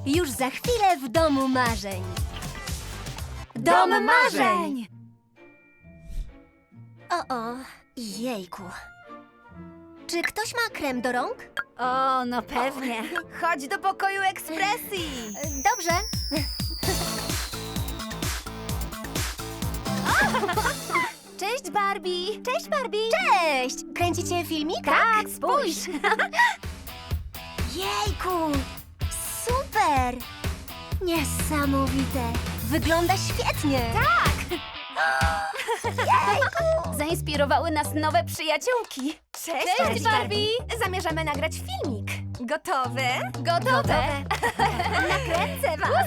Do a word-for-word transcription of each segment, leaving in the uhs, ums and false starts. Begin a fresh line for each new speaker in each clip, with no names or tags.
Już za chwilę w domu marzeń.
Dom marzeń!
O, o, jejku. Czy ktoś ma krem do rąk?
O, no pewnie. Chodź do pokoju ekspresji.
Dobrze.
Cześć, Barbie.
Cześć, Barbie. Cześć! Kręcicie filmik?
Tak, spójrz.
Jejku! Super! Niesamowite! Wygląda świetnie!
Tak! Zainspirowały nas nowe przyjaciółki. Cześć,
Cześć, Barbie.
Zamierzamy nagrać filmik. Gotowe?
Gotowe!
Gotowe. Nakręcę was.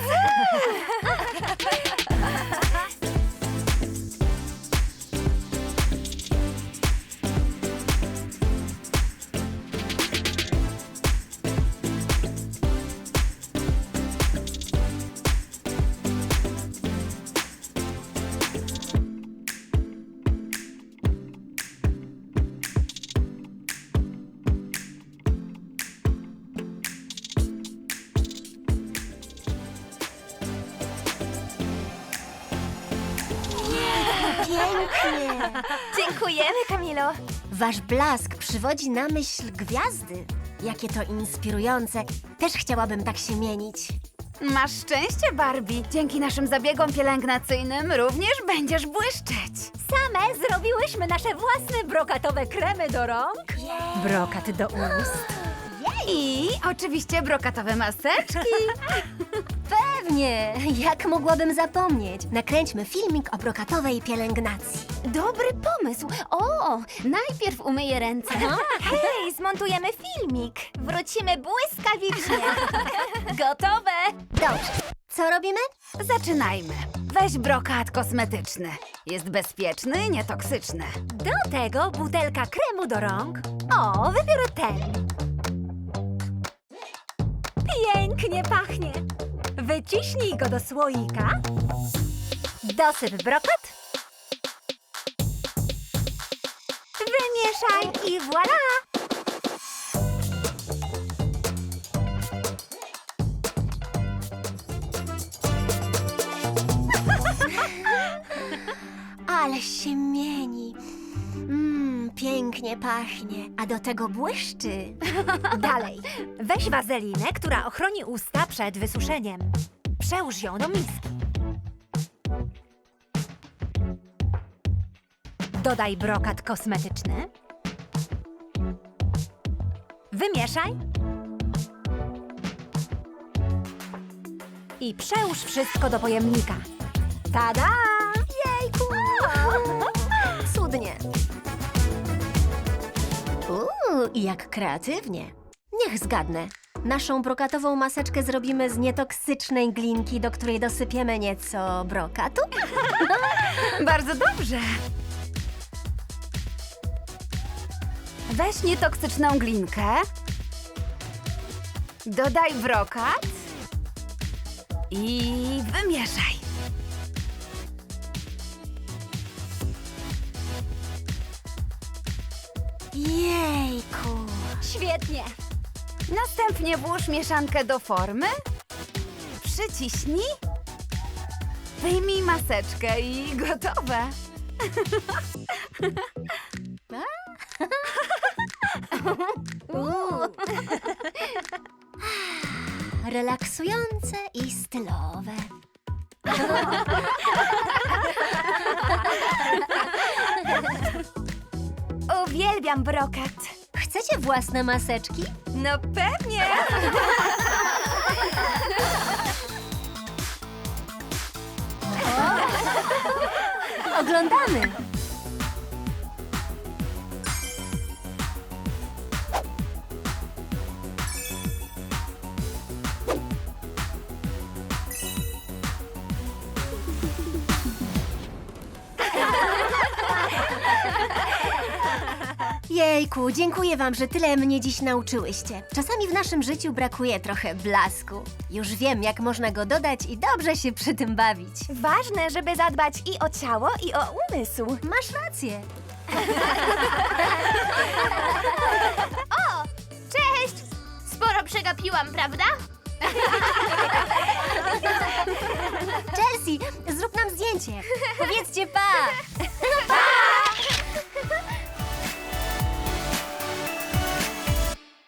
Pięknie!
Dziękujemy, Kamilo.
Wasz blask przywodzi na myśl gwiazdy. Jakie to inspirujące. Też chciałabym tak się mienić.
Masz szczęście, Barbie. Dzięki naszym zabiegom pielęgnacyjnym również będziesz błyszczeć.
Same zrobiłyśmy nasze własne brokatowe kremy do rąk, brokat do ust.
I oczywiście brokatowe maseczki.
Pewnie! Jak mogłabym zapomnieć? Nakręćmy filmik o brokatowej pielęgnacji.
Dobry pomysł. O, najpierw umyję ręce.
Hej, zmontujemy filmik. Wrócimy błyskawicznie. Gotowe.
Dobrze. Co robimy?
Zaczynajmy. Weź brokat kosmetyczny. Jest bezpieczny i nietoksyczny.
Do tego butelka kremu do rąk. O, wybiorę ten. Pięknie pachnie. Wyciśnij go do słoika. Dosyp brokat. Wymieszaj i voilà!
Ale się mieni. Mmm, pięknie pachnie. A do tego błyszczy.
Dalej, weź wazelinę, która ochroni usta przed wysuszeniem. Przełóż ją do miski. Dodaj brokat kosmetyczny. Wymieszaj. I przełóż wszystko do pojemnika. Tada! Jejku!
Cudnie. Uuu, jak kreatywnie. Niech zgadnę. Naszą brokatową maseczkę zrobimy z nietoksycznej glinki, do której dosypiemy nieco brokatu.
Bardzo dobrze. Weź nietoksyczną glinkę. Dodaj brokat. I wymieszaj.
Jejku.
Świetnie!
Następnie włóż mieszankę do formy. Przyciśnij. Wyjmij maseczkę i gotowe.
Uuu. Relaksujące i stylowe.
Uwielbiam brokat.
Chcecie własne maseczki?
No pewnie!
Oglądamy. Jejku, dziękuję wam, że tyle mnie dziś nauczyłyście. Czasami w naszym życiu brakuje trochę blasku. Już wiem, jak można go dodać i dobrze się przy tym bawić.
Ważne, żeby zadbać i o ciało, i o umysł.
Masz rację.
Cześć! Sporo przegapiłam, prawda?
Lexi, zrób nam zdjęcie. Powiedzcie pa!